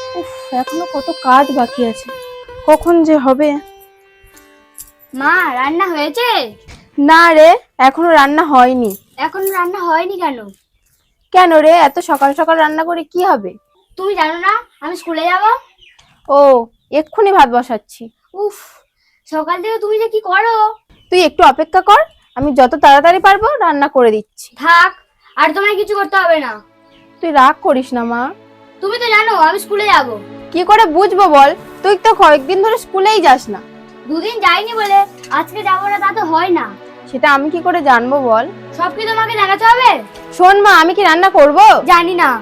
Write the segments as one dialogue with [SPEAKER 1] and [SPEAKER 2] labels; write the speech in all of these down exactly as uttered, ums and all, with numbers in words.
[SPEAKER 1] উফ, এখনো কত কাজ বাকি আছে, কখন যে হবে।
[SPEAKER 2] মা রান্না হয়েছে?
[SPEAKER 1] না রে, এখনো রান্না হয়নি।
[SPEAKER 2] এখন রান্না হয়নি কেন?
[SPEAKER 1] কেন রে, এত সকাল সকাল রান্না করে কি হবে?
[SPEAKER 2] তুমি জানো না আমি স্কুলে যাব?
[SPEAKER 1] ও, এক্ষুনি ভাত বসাচ্ছি।
[SPEAKER 2] উফ, সকাল থেকে তুমি যে কি করো।
[SPEAKER 1] তুই একটু অপেক্ষা কর, আমি যত তাড়াতাড়ি পারবো রান্না করে দিচ্ছি।
[SPEAKER 2] থাক, আর তোমায় কিছু করতে হবে না।
[SPEAKER 1] তুই রাগ করিস না মা।
[SPEAKER 2] তুমি তো জানো আমি স্কুলে যাব।
[SPEAKER 1] কি করে বুঝবো বল, তুই তো কয়েকদিন ধরে স্কুলেই যাস না।
[SPEAKER 2] দুদিন যাইনি বলে আজকে যাবো না তা তো হয় না।
[SPEAKER 1] সেটা আমি কি করে জানবো বল?
[SPEAKER 2] সব কি তোমাকে জানাতে হবে?
[SPEAKER 1] শোন মা, আমি কি রান্না করব?
[SPEAKER 2] জানি না।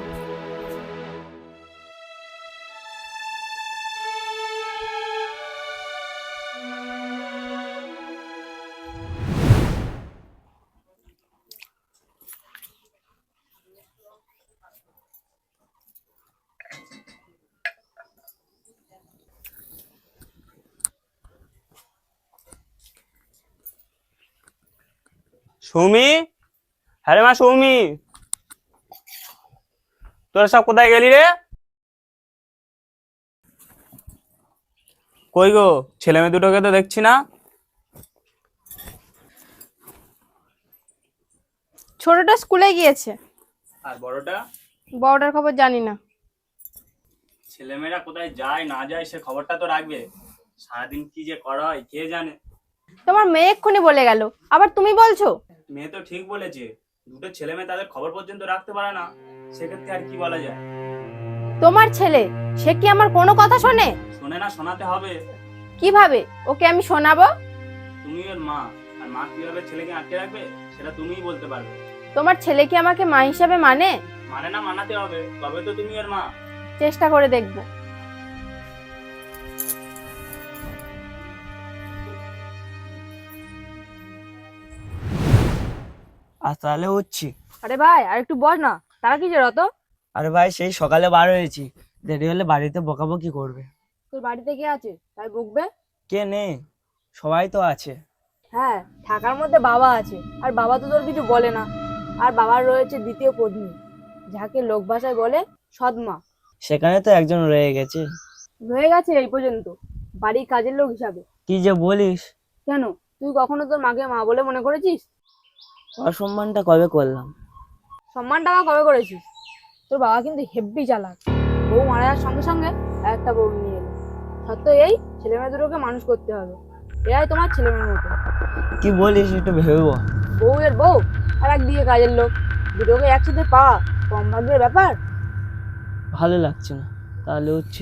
[SPEAKER 3] সৌমি, হ্যাঁ মা সৌমি, তোরা সব কোথায় গেলি রে? কই গো, ছেলে মেয়ে দুটোকে তো দেখছি না।
[SPEAKER 1] ছোটটা স্কুলে গিয়েছে।
[SPEAKER 3] আর বড়টা?
[SPEAKER 1] বড়টার খবর জানি না।
[SPEAKER 3] ছেলেমেয়েরা কোথায় যায় না যায় সে খবরটা তো রাখবে। সারাদিন কি যে করা হয় কে জানে।
[SPEAKER 1] তোমার মেয়ে এক্ষুনি বলে গেল, আবার তুমি বলছো?
[SPEAKER 3] মেয়ে তো ঠিক বলেছে, দুটো ছেলে মেয়ে তাদের খবর পর্যন্ত রাখতে পারে না, সেক্ষেত্রে আর কি বলা যায়।
[SPEAKER 1] তোমার ছেলে, সে কি আমার কোনো কথা শোনে?
[SPEAKER 3] শোনে না, শোনাতে হবে।
[SPEAKER 1] কিভাবে ওকে আমি শোনাবো?
[SPEAKER 3] তুমি ওর মা, আর মা কিভাবে ছেলেকে আটকে রাখবে সেটা তুমিই বলতে পারবে।
[SPEAKER 1] তোমার ছেলে কি আমাকে মা হিসাবে মানে?
[SPEAKER 3] মানে না, মানাতে হবে, তবে তো তুমি ওর মা।
[SPEAKER 1] চেষ্টা করে দেখবো।
[SPEAKER 4] আর তাহলে হচ্ছি।
[SPEAKER 1] আরে ভাই, আর একটু বস না, তারা কি যে রত?
[SPEAKER 4] আরে ভাই, সেই সকালে বার হয়েছি, দেরি হলে বাড়িতে বকাবকি করবে।
[SPEAKER 1] তোর বাড়িতে কে আছে তাই বকবে?
[SPEAKER 4] কে নেই, সবাই তো আছে।
[SPEAKER 1] হ্যাঁ, থাকার মধ্যে বাবা আছে, আর বাবা তো তোর কিছু বলে না। আর বাবার রয়েছে দ্বিতীয় পত্নী, যাকে লোক ভাষায় বলে সৎমা।
[SPEAKER 4] সেখানে তো একজন রয়ে গেছে।
[SPEAKER 1] রয়ে গেছে এই পর্যন্ত, বাড়ির কাজের লোক হিসাবে।
[SPEAKER 4] কি যে বলিস!
[SPEAKER 1] কেন, তুই কখনো তোর মাকে মা বলে মনে করেছিস?
[SPEAKER 4] অসম্মানটা কবে করলাম?
[SPEAKER 1] সম্মানটা আবার কবে করেছিস? তোর বাবা কিন্তু হেব্বি চালাক। বউ মারা যাওয়ার সঙ্গে সঙ্গে একটা বউ নিয়ে এলো। সত্য এই, ছেলে মেয়ে দুটোকে মানুষ করতে হবে। এরাই তোমার ছেলে মেয়ের মতো।
[SPEAKER 4] কি বলিস, একটু ভেবে বল।
[SPEAKER 1] বউ এর বউ আর একদিকে কাজের লোক, দুটোকে একসাথে পাওয়া কম ভাগ্যের ব্যাপার।
[SPEAKER 4] ভালো লাগছে না, তাহলে হচ্ছে।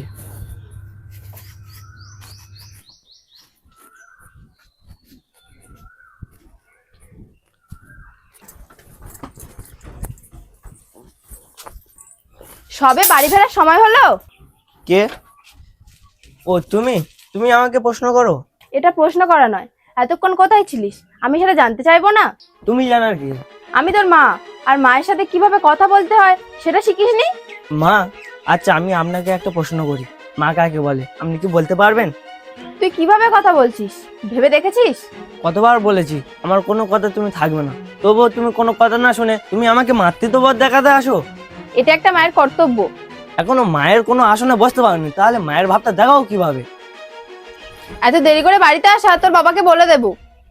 [SPEAKER 1] সবে বাড়ি ফেরার সময় হলো।
[SPEAKER 4] কে? ও তুমি তুমি আমাকে প্রশ্ন করো?
[SPEAKER 1] এটা প্রশ্ন করা নয়, এতক্ষণ কোথায় ছিলিস আমি সেটা জানতে চাইবো না?
[SPEAKER 4] তুমি জানার কি?
[SPEAKER 1] আমি তোর মা, আর মায়ের সাথে কিভাবে কথা বলতে হয় সেটা শিখিসনি?
[SPEAKER 4] মা? আচ্ছা, আমি আপনাকে একটা প্রশ্ন করি, মা কাকে বলে আপনি কি বলতে পারবেন?
[SPEAKER 1] তুই কিভাবে কথা বলছিস ভেবে দেখেছিস?
[SPEAKER 4] কতবার বলেছি আমার কোনো কথা তুমি থাকবে না, তবুও তুমি কোনো কথা না শুনে তুমি আমাকে মাতৃত্ববোধ দেখাতে আসো।
[SPEAKER 1] এটা একটা মায়ের কর্তব্য।
[SPEAKER 4] এখনো মায়ের কোনো আসনে বসতে পারোনি, তাহলে মায়ের ভাবটা দেখাও কিভাবে?
[SPEAKER 1] এত দেরি করে বাড়িতে আসা তোর বাবাকে বলে দেবো।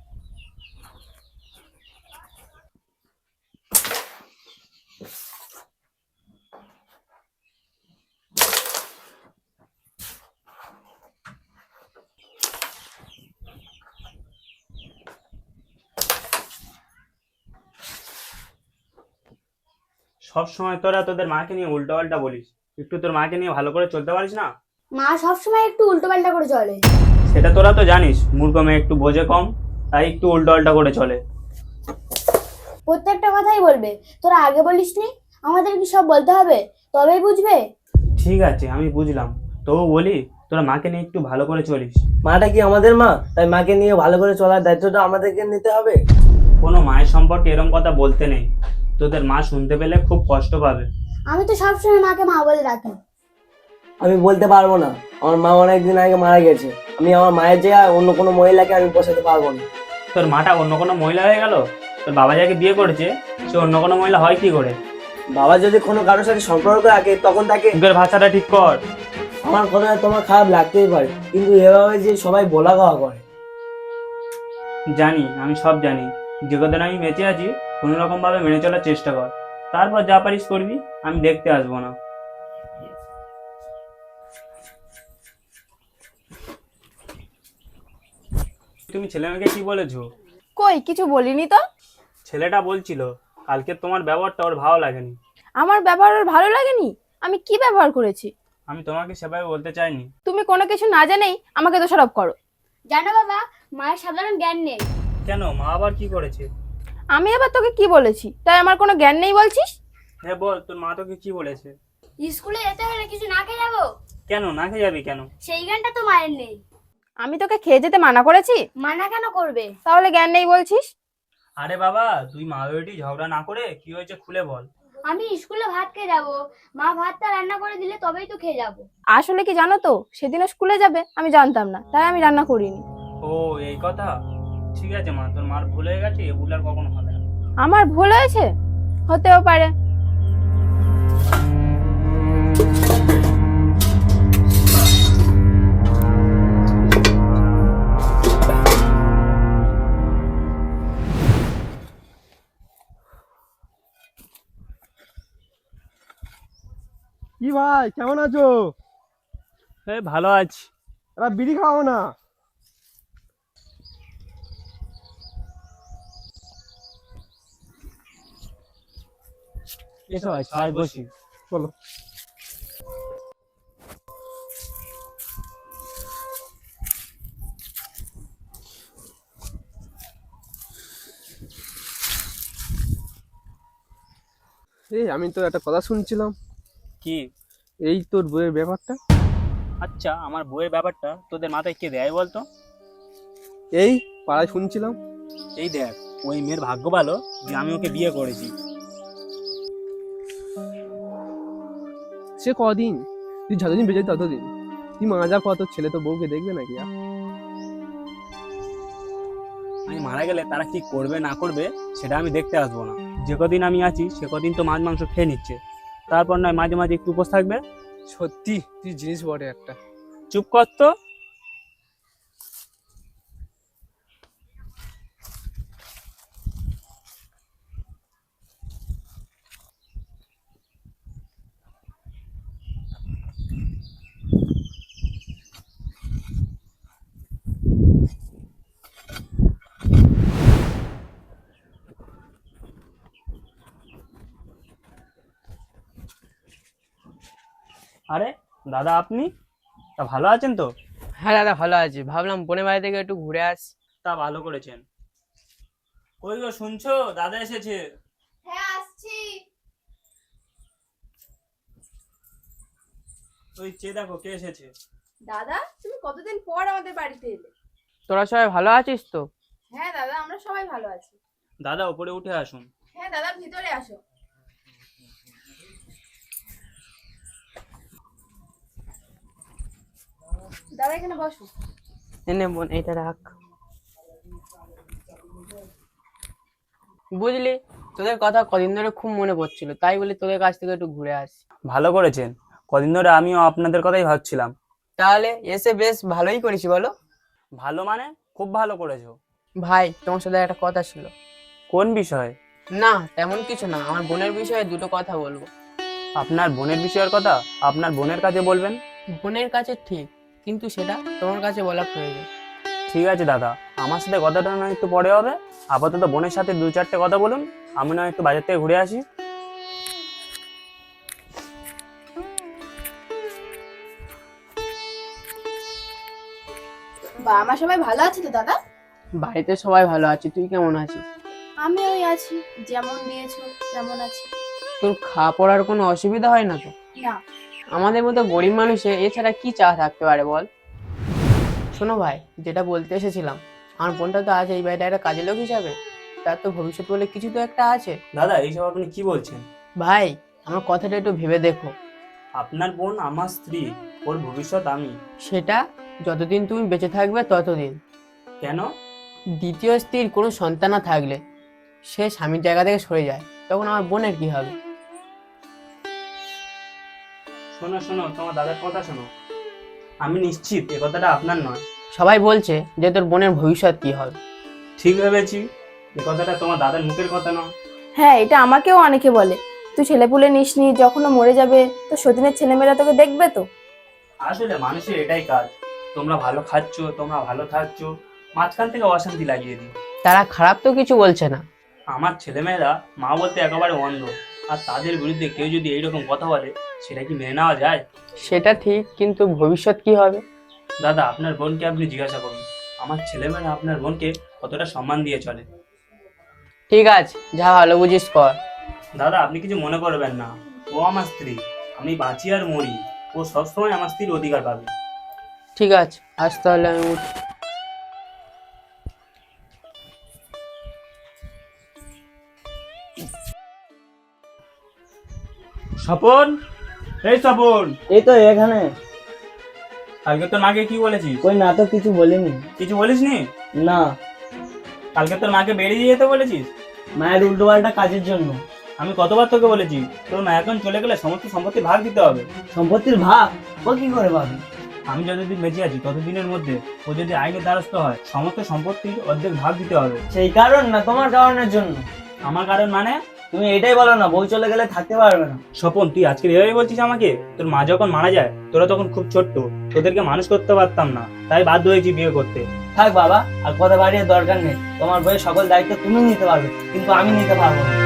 [SPEAKER 3] সব সময় তোরা তোদের মাকে নিয়ে উল্টো পাল্টা বলিস, একটু তোর মাকে নিয়ে ভালো করে চলতে পারিস না?
[SPEAKER 2] মা সবসময় একটু উল্টো পাল্টা করে চলে।
[SPEAKER 3] সেটা তোরা তো জানিস, মূর্খ মেয়ে একটু বোঝে কম, তাই একটু উল্টো পাল্টা করে চলে।
[SPEAKER 2] প্রত্যেকটা কথাই বলবে, তোরা আগে বলিসনি আমাদের কি সব বলতে হবে তবেই বুঝবে?
[SPEAKER 3] ঠিক আছে, আমি বুঝলাম, তবু বলি তোরা মাকে নিয়ে একটু ভালো করে চলিস।
[SPEAKER 4] মাটা কি আমাদের মা, তাই মাকে নিয়ে ভালো করে চলার দায়িত্বটা আমাদেরকে নিতে হবে।
[SPEAKER 3] কোনো মায়ের সম্পর্কে এরকম কথা বলতে নেই, তোদের মা শুনতে পেলে খুব কষ্ট পাবে।
[SPEAKER 2] আমি তো সবসময় মাকে মা বলে ডাকি।
[SPEAKER 4] আমি বলতে পারবো না, আমার মা অনেকদিন আগে মারা গেছে, আমি আমার মায়ের জায়গায় অন্য কোনো মহিলাকে আমি বসাতে পারবো না।
[SPEAKER 3] তোর মাটা অন্য কোনো মহিলা হয়ে গেল? তোর বাবা যাকে বিয়ে করেছে সে অন্য কোনো মহিলা হয় কি করে?
[SPEAKER 4] বাবা যদি কোনো কারোর সাথে সম্পর্ক রাখে তখন তাকে
[SPEAKER 3] মুখের ভাষাটা ঠিক কর।
[SPEAKER 4] আমার কথা তোমার খারাপ লাগতেই পারে, কিন্তু এভাবে যে সবাই বলা গাওয়া করে।
[SPEAKER 3] জানি, আমি সব জানি। যে কদিন আমি বেঁচে আছি কোনো রকম ভাবে মেনে চলার চেষ্টা কর, তারপর যা পারিস করবি, আমি দেখতে আসবো না। তুমি ছেলে মেয়েকে কি বলেছো?
[SPEAKER 1] কই কিছু বলিনি তো।
[SPEAKER 3] ছেলেটা বলছিল কালকে তোমার ব্যবহারটা ওর ভালো লাগেনি।
[SPEAKER 1] আমার ব্যবহার ওর ভালো লাগেনি? আমি কি ব্যবহার করেছি?
[SPEAKER 3] আমি তোমাকে সেভাবে বলতে চাইনি।
[SPEAKER 1] তুমি কোনো কিছু না জেনেই আমাকে দোষারোপ করো।
[SPEAKER 2] জানো বাবা, মায়ের সাধারণ জ্ঞান নেই।
[SPEAKER 3] কেন, মা আবার কি করেছে?
[SPEAKER 1] আমি আবার তোকে কি বলেছি তাই আমার কোনো জ্ঞান নেই বলছিস?
[SPEAKER 3] হ্যাঁ বল, তোর মা তোকে কি বলেছে?
[SPEAKER 2] স্কুলে যেতে হলে কিছু না খেয়ে যাবো,
[SPEAKER 3] কেন না খেয়ে যাবি কেন?
[SPEAKER 2] সেই জ্ঞানটা তো মায়ের নেই।
[SPEAKER 1] আমি তোকে খেয়ে যেতে মানা করেছি?
[SPEAKER 2] মানা কেন করবে?
[SPEAKER 1] তাহলে জ্ঞান নেই বলছিস?
[SPEAKER 3] আরে বাবা, তুই মা বেটি ঝগড়া না করে কি হয়েছে খুলে বল।
[SPEAKER 2] আমি স্কুলে ভাত খেয়ে যাবো, মা ভাতটা রান্না করে দিলে তবেই তো খেয়ে যাবো।
[SPEAKER 1] আসলে কি জানো তো, সেদিনও স্কুলে যাবে আমি জানতাম না, তাই আমি রান্না করিনি।
[SPEAKER 3] ও এই কথা। ঠিক আছে মা, তোর মার ভুল হয়ে গেছে, এ ভুল আর কখনো হবে না।
[SPEAKER 1] আমার ভুল হয়েছে? হতেও পারে।
[SPEAKER 5] কি ভাই, কেমন আছো?
[SPEAKER 3] এই ভালো আছি।
[SPEAKER 5] এবার বিড়ি খাও না?
[SPEAKER 3] এসো ভাই, সবাই বসি।
[SPEAKER 5] বলো। এই আমি তো একটা কথা শুনছিলাম,
[SPEAKER 3] কি?
[SPEAKER 5] এই তোর বইয়ের ব্যাপারটা।
[SPEAKER 3] আচ্ছা, আমার বইয়ের ব্যাপারটা তোদের মাথায় কে দেয় বলতো?
[SPEAKER 5] এই পাড়ায় শুনছিলাম।
[SPEAKER 3] এই দেখ, ওই মেয়ের ভাগ্য ভালো যে আমি ওকে বিয়ে করেছি।
[SPEAKER 5] সে কদিন, তুই যতদিন বেঁচে ততদিন। তুই মারা যা কত, ছেলে তো বউকে দেখবে নাকি আর?
[SPEAKER 3] আমি মারা গেলে তারা কি করবে না করবে সেটা আমি দেখতে আসবো না। যে কদিন আমি আছি সে কদিন তো মাছ মাংস খেয়ে নিচ্ছে, তারপর নয় মাঝে মাঝে একটু উপোস থাকবে।
[SPEAKER 5] সত্যি তুই জিনিস বটে একটা।
[SPEAKER 3] চুপ কর তো। আরে দাদা, আপনি তা ভালো আছেন তো?
[SPEAKER 6] হ্যাঁ দাদা, ভালো আছি। ভাবলাম বোনের বাড়ি থেকে একটু ঘুরে আসি।
[SPEAKER 3] তা ভালো করেছেন। কই গো, শুনছো? দাদা এসেছে।
[SPEAKER 2] হ্যাঁ আসছি।
[SPEAKER 3] ওই চেয়ে দেখো কে এসেছে।
[SPEAKER 1] দাদা, তুমি কতদিন পর আমাদের বাড়িতে এলে?
[SPEAKER 6] তোরা সবাই ভালো আছিস তো?
[SPEAKER 1] হ্যাঁ দাদা, আমরা সবাই ভালো আছি।
[SPEAKER 3] দাদা উপরে উঠে আসুন।
[SPEAKER 1] হ্যাঁ দাদা, ভিতরে আসো। দাদা এখানে বসো।
[SPEAKER 6] এনে বোন, এইটা রাখ। বুঝলি, তোদের কথা কদিন ধরে খুব মনে পড়ছিল, তাই বলি তোদের কাছ থেকে একটু ঘুরে আসি।
[SPEAKER 3] ভালো করেছেন, কদিন ধরে আমিও আপনাদের কথাই ভাবছিলাম।
[SPEAKER 6] তাহলে এসে বেশ ভালোই করেছি, বলো।
[SPEAKER 3] ভালো মানে খুব ভালো করেছো।
[SPEAKER 6] ভাই, তোমার সাথে একটা কথা ছিল।
[SPEAKER 3] কোন বিষয়?
[SPEAKER 6] না তেমন কিছু না, আমার বোনের বিষয়ে দুটো কথা বলবো।
[SPEAKER 3] আপনার বোনের বিষয়ের কথা আপনার বোনের কাছে বলবেন?
[SPEAKER 6] বোনের কাছে ঠিক, কিন্তু সেটা তোমার কাছে বলা প্রয়োজন।
[SPEAKER 3] ঠিক আছে দাদা, আমার সাথে কথাটা না একটু পরে হবে। আপাতত বোনের সাথে দু চারটে কথা বলুন, আমি না একটু বাজার থেকে ঘুরে আসি।
[SPEAKER 1] বাবা মা সবাই ভালো আছে তো দাদা?
[SPEAKER 6] বাড়িতে সবাই ভালো আছে, তুই কেমন আছিস?
[SPEAKER 2] আমি ওই আছি, যেমন দিয়েছো তেমন আছি।
[SPEAKER 6] তোর খাওয়া পড়ার কোনো অসুবিধা হয় না তো?
[SPEAKER 2] না।
[SPEAKER 6] আমাদের মতো গরিব মানুষের এছাড়া কি চা থাকতে পারে বল? শোনো ভাই, যেটা বলতে এসেছিলাম, আমার বোনটা তো আছে এই বাড়িতে একটা কাজের লোক হিসাবে, তার তো ভবিষ্যৎ বলে কিছু তো একটা আছে।
[SPEAKER 3] দাদা, এইসব আপনি কি বলছেন?
[SPEAKER 6] ভাই, আমার কথাটা একটু ভেবে দেখো।
[SPEAKER 3] আপনার বোন আমার স্ত্রী, ওর ভবিষ্যৎ আমি।
[SPEAKER 6] সেটা যতদিন তুমি বেঁচে থাকবে ততদিন।
[SPEAKER 3] কেন?
[SPEAKER 6] দ্বিতীয় স্ত্রীর কোনো সন্তান না থাকলে সে স্বামীর জায়গা থেকে সরে যায়, তখন আমার বোনের কি হবে?
[SPEAKER 3] শোনো শোনো, তোমার দাদার কথা শোনো। আমি নিশ্চিত এ কথাটা আপনার নয়।
[SPEAKER 6] সবাই বলছে যে তোর বোনের ভবিষ্যৎ কি হবে।
[SPEAKER 3] ঠিক ভেবেছি, এ কথাটা তোমার দাদার মুখের কথা নয়।
[SPEAKER 7] হ্যাঁ, এটা আমাকেও অনেকে বলে। তুই ছেলেপুলে নিসনি, যখন ও মরে যাবে তো সতীনের ছেলেমেয়েরা তোকে দেখবে তো।
[SPEAKER 3] আসলে মানুষের এটাই কাজ, তোমরা ভালো খাচ্ছ, তোমরা ভালো থাকছ, মাঝখান থেকে অশান্তি লাগিয়ে দিই।
[SPEAKER 6] তারা খারাপ তো কিছু বলছে না।
[SPEAKER 3] আমার ছেলেমেয়েরা মা বলতে একেবারে অন্ধ, আর তাদের বিরুদ্ধে কেউ যদি এইরকম কথা বলে সেটা কি মেনে নেওয়া যায়?
[SPEAKER 6] সেটা ঠিক, কিন্তু ভবিষ্যৎ কি হবে?
[SPEAKER 3] দাদা, আপনার বোনকে আপনি জিজ্ঞাসা করুন, আমার ছেলেমেয়েরা আপনার বোনকে কতটা সম্মান দিয়ে চলে।
[SPEAKER 6] ঠিক আছে, যা ভালো বুঝিস কর।
[SPEAKER 3] দাদা, আপনি কিছু মনে করবেন না, ও আমার স্ত্রী, আমি বাঁচি আর মরি, ও সবসময় আমার স্ত্রীর অধিকার পাবে।
[SPEAKER 6] ঠিক আছে, আজ তাহলে আমি উঠি।
[SPEAKER 3] স্বপন, এই স্বপন,
[SPEAKER 4] এই তো এখানে।
[SPEAKER 3] কালকে তোর মাকে কি বলেছিস?
[SPEAKER 4] কই না তো, কিছু বলিনি।
[SPEAKER 3] কিছু বলিসনি?
[SPEAKER 4] না,
[SPEAKER 3] কালকে তোর মাকে বেরিয়ে যেতে বলেছিস?
[SPEAKER 4] মায়ের উল্টো পাল্টা কাজের জন্য।
[SPEAKER 3] আমি কতবার তোকে বলেছি তোর মা এখন চলে গেলে সমস্ত সম্পত্তি ভাগ দিতে হবে।
[SPEAKER 4] সম্পত্তির ভাগ ও কি করে পাবে?
[SPEAKER 3] আমি যতদিন বেঁচে আছি ততদিনের মধ্যে ও যদি আইনের দ্বারস্থ হয়, সমস্ত সম্পত্তির অর্ধেক ভাগ দিতে হবে।
[SPEAKER 4] সেই কারণ না, তোমার কারণের জন্য।
[SPEAKER 3] আমার কারণ মানে?
[SPEAKER 4] তুমি এটাই বলো না, বউ চলে গেলে থাকতে পারবে না।
[SPEAKER 3] স্বপন, তুই আজকে এভাবে বলছিস আমাকে? তোর মা যখন মারা যায় তোরা তখন খুব ছোট্ট, তোদেরকে মানুষ করতে পারতাম না, তাই বাধ্য হয়েছি বিয়ে করতে।
[SPEAKER 4] থাক বাবা, আর কথা বাড়িয়ে দরকার নেই। তোমার বইয়ের সকল দায়িত্ব তুমি নিতে পারবে, কিন্তু আমি নিতে পারবো না।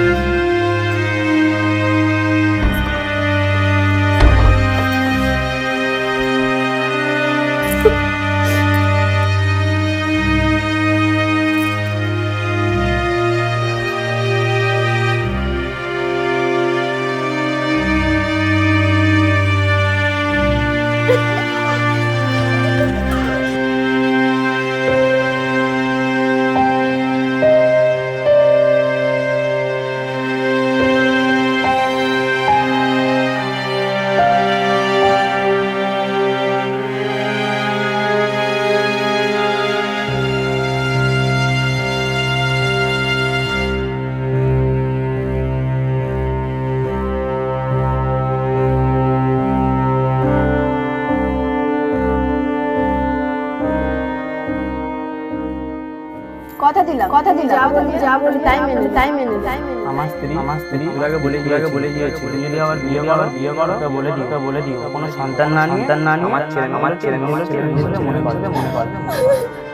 [SPEAKER 7] কথা দিলাম, কথা দিলাম, যা বলি যা বলি তাই মেনে তাই মেনে তাই মেনে
[SPEAKER 3] আমার স্ত্রী আমার স্ত্রী তোরাকে বলে তোরাকে বলে দিয়েছি, তুমি যদি আবার বিয়ে করো বিয়ে করো তো বলে দিও, তো বলে দিও কোনো সন্তান না নিয়ে সন্তান না নিয়ে আমার ছেলে আমার ছেলে মনে করবে মনে করবে।